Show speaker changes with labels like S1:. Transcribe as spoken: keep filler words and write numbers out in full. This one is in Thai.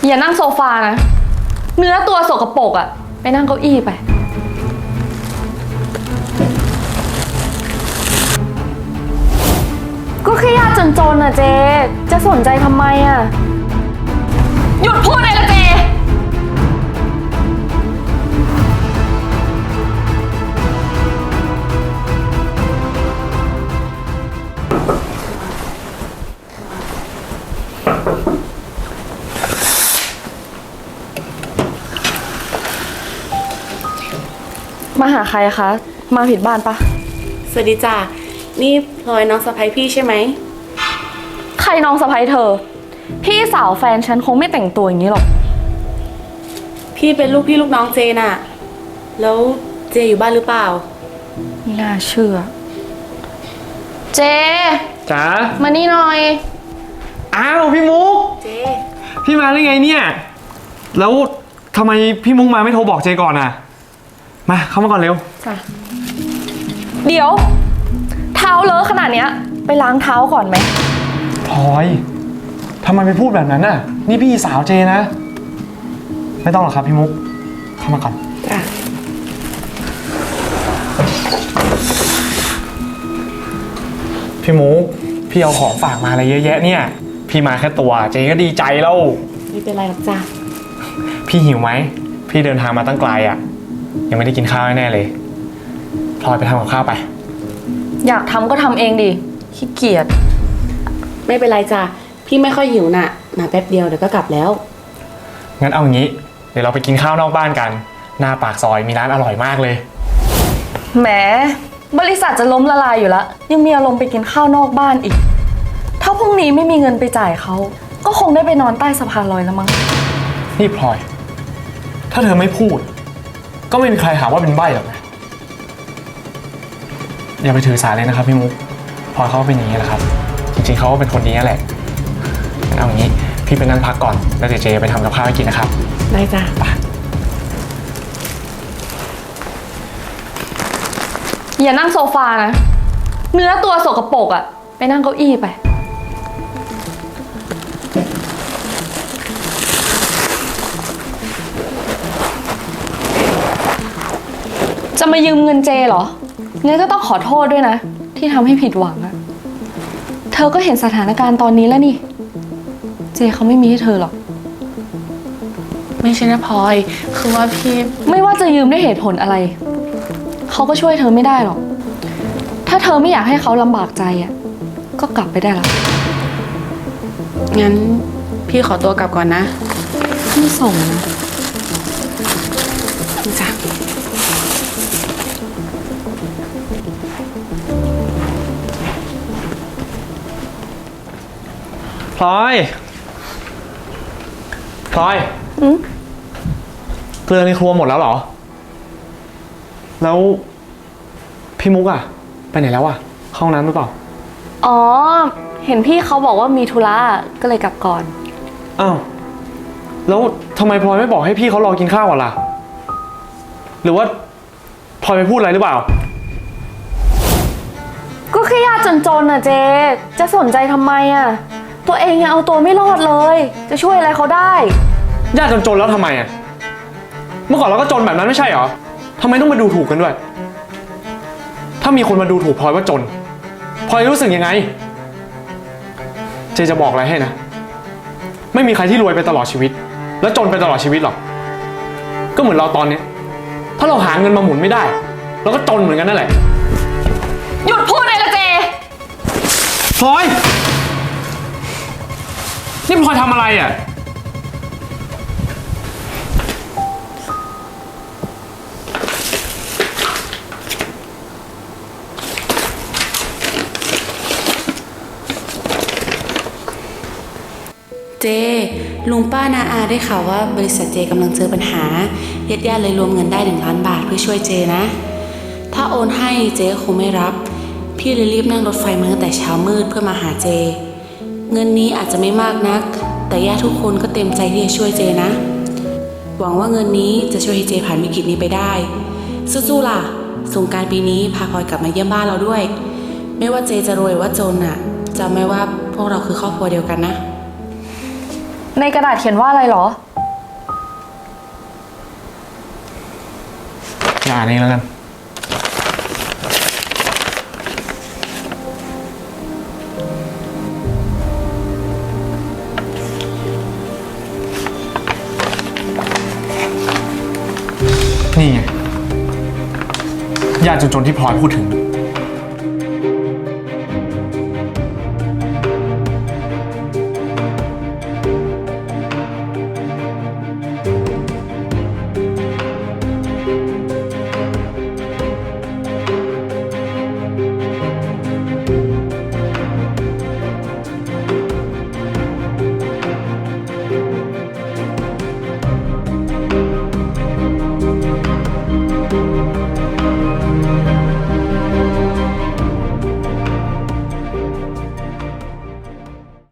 S1: อย่านั่งโซฟานะเนื้อตัวสกปรกอะไปนั่งเก้าอี้ไปก็แค่ยากจนๆอะเจจะสนใจทำไมอะหยุดพูดเลยละเจมาหาใครคะมาผิดบ้านปะ
S2: สวัสดีจ้ะนี่พลอยน้องสะใภ้พี่ใช่ไหม
S1: ใครน้องสะใภ้เธอพี่สาวแฟนฉันคงไม่แต่งตัวอย่างนี้หรอก
S2: พี่เป็นลูกพี่ลูกน้องเจน่ะแล้วเจอยู่บ้านหรือเปล่า
S1: ไม่น่าเชื่อเจ
S3: จ๋า
S1: มานี่หน่อย
S3: อ้าวพี่มุก
S2: เจ
S3: พี่มาได้ไงเนี่ยแล้วทำไมพี่มุกมาไม่โทรบอกเจก่อนอ่ะมาเข้ามาก่อนเร็ว
S1: จ้ะเดี๋ยวเท้าเลอะขนาดเนี้ยไปล้างเท้าก่อนไหม
S3: พลอยทำไมไปพูดแบบนั้นน่ะนี่พี่สาวเจนะไม่ต้องหรอกครับพี่มุกเข้ามาก่อน
S2: จ้ะ
S3: พี่มุกพี่เอาของฝากมาอะไรเยอะแยะเนี่ยพี่มาแค่ตัวเจก็ดีใจแล้ว
S2: ไม่เป็นไรหรอกจ้ะ
S3: พี่หิวไหมพี่เดินทางมาตั้งไกลอ่ะยังไม่ได้กินข้าวแน่เลยพลอยไปทำกับข้าวไป
S1: อยากทำก็ทำเองดิขี้เกียจ
S2: ไม่เป็นไรจ้ะพี่ไม่ค่อยหิวน่ะมาแป๊บเดียวเดี๋ยวก็กลับแล้ว
S3: งั้นเอางี้เดี๋ยวเราไปกินข้าวนอกบ้านกันหน้าปากซอยมีร้านอร่อยมากเลย
S1: แหมบริษัทจะล้มละลายอยู่แล้วยังมีอารมณ์ไปกินข้าวนอกบ้านอีกถ้าพรุ่งนี้ไม่มีเงินไปจ่ายเขาก็คงได้ไปนอนใต้สะพานลอยแล้วมั้ง
S3: นี่พลอยถ้าเธอไม่พูดก็ไม่มีใครหาว่าเป็นใบ้หรอกนะอย่าไปถือสาเลยนะครับพี่มุกพลอยเขาเป็นอย่างนี้แหละครับจริงๆเขาก็เป็นคนดีนั่นแหละงั้นเอาอย่างนี้พี่ไปนั่งพักก่อนแล้วเดี๋ยวเจไปทำกับข้าวให้กินนะครับ
S2: ได้จ้ะ
S3: ไป
S1: อย่านั่งโซฟานะเนื้อตัวสกปรกอะไปนั่งเก้าอี้ไปจะมายืมเงินเจเหรองั้นก็ต้องขอโทษด้วยนะที่ทำให้ผิดหวังอะเธอก็เห็นสถานการณ์ตอนนี้แล้วนี่เจเขาไม่มีให้เธอหรอก
S2: ไม่ใช่นะพลอยคือว่าพี่
S1: ไม่ว่าจะยืมด้วยเหตุผลอะไรเขาก็ช่วยเธอไม่ได้หรอกถ้าเธอไม่อยากให้เขาลำบากใจอะก็กลับไปได้ละ
S2: งั้นพี่ขอตัวกลับก่อนนะ
S1: พี่ส่งนะ
S2: จ้ะ
S3: พลอยพลอย
S1: อืม
S3: เกลือในครัวหมดแล้วเหรอแล้วพี่มุกอะไปไหนแล้วอะเข้าห้องน้ำหรือเปล่า
S1: อ๋อเห็นพี่เขาบอกว่ามีธุระก็เลยกลับก่อน
S3: อ้าวแล้วทำไมพลอยไม่บอกให้พี่เขารอกินข้าวก่อนล่ะหรือว่าพลอยไปพูดอะไรหรือเปล่า
S1: ก็แค่ยากจนๆน่ะเจจะสนใจทำไมอะตัวเองยังเอาตัวไม่รอดเลยจะช่วยอะไรเขาได้
S3: ยากจนๆแล้วทำไมอะเมื่อก่อนเราก็จนแบบนั้นไม่ใช่เหรอทำไมต้องมาดูถูกกันด้วยถ้ามีคนมาดูถูกพลอยว่าจนพลอยรู้สึกยังไงเจจะบอกอะไรให้นะไม่มีใครที่รวยไปตลอดชีวิตแล้วจนไปตลอดชีวิตหรอกก็เหมือนเราตอนนี้ถ้าเราหาเงินมาหมุนไม่ได้เราก็จนเหมือนกันนั่นแหละ
S1: หยุดพูดเลยละเจ
S3: พลอยนี่พลอยทำอะไรอ่ะ
S2: เจลุงป้านาอาได้ข่าวว่าบริษัทเจกำลังเจอปัญหาญาติญาติเลยรวมเงินได้หนึ่งล้านบาทเพื่อช่วยเจนะถ้าโอนให้เจคงไม่รับพี่เลยรีบนั่งรถไฟมาตั้งแต่เช้ามืดเพื่อมาหาเจเงินนี้อาจจะไม่มากนักแต่ญาติทุกคนก็เต็มใจที่จะช่วยเจนะหวังว่าเงินนี้จะช่วยให้เจผ่านวิกฤตนี้ไปได้สู้ๆล่ะสงกรานต์ปีนี้พาพลอยกลับมาเยี่ยมบ้านเราด้วยไม่ว่าเจจะรวยหรือว่าจนอ่ะจำไว้ว่าพวกเราคือครอบครัวเดียวกันนะ
S1: ในกระดาษเขียนว่าอะไรเหรอ
S3: อย่าอ่านเองแล้วกัน นี่ไงญาติจนๆที่พลอยพูดถึง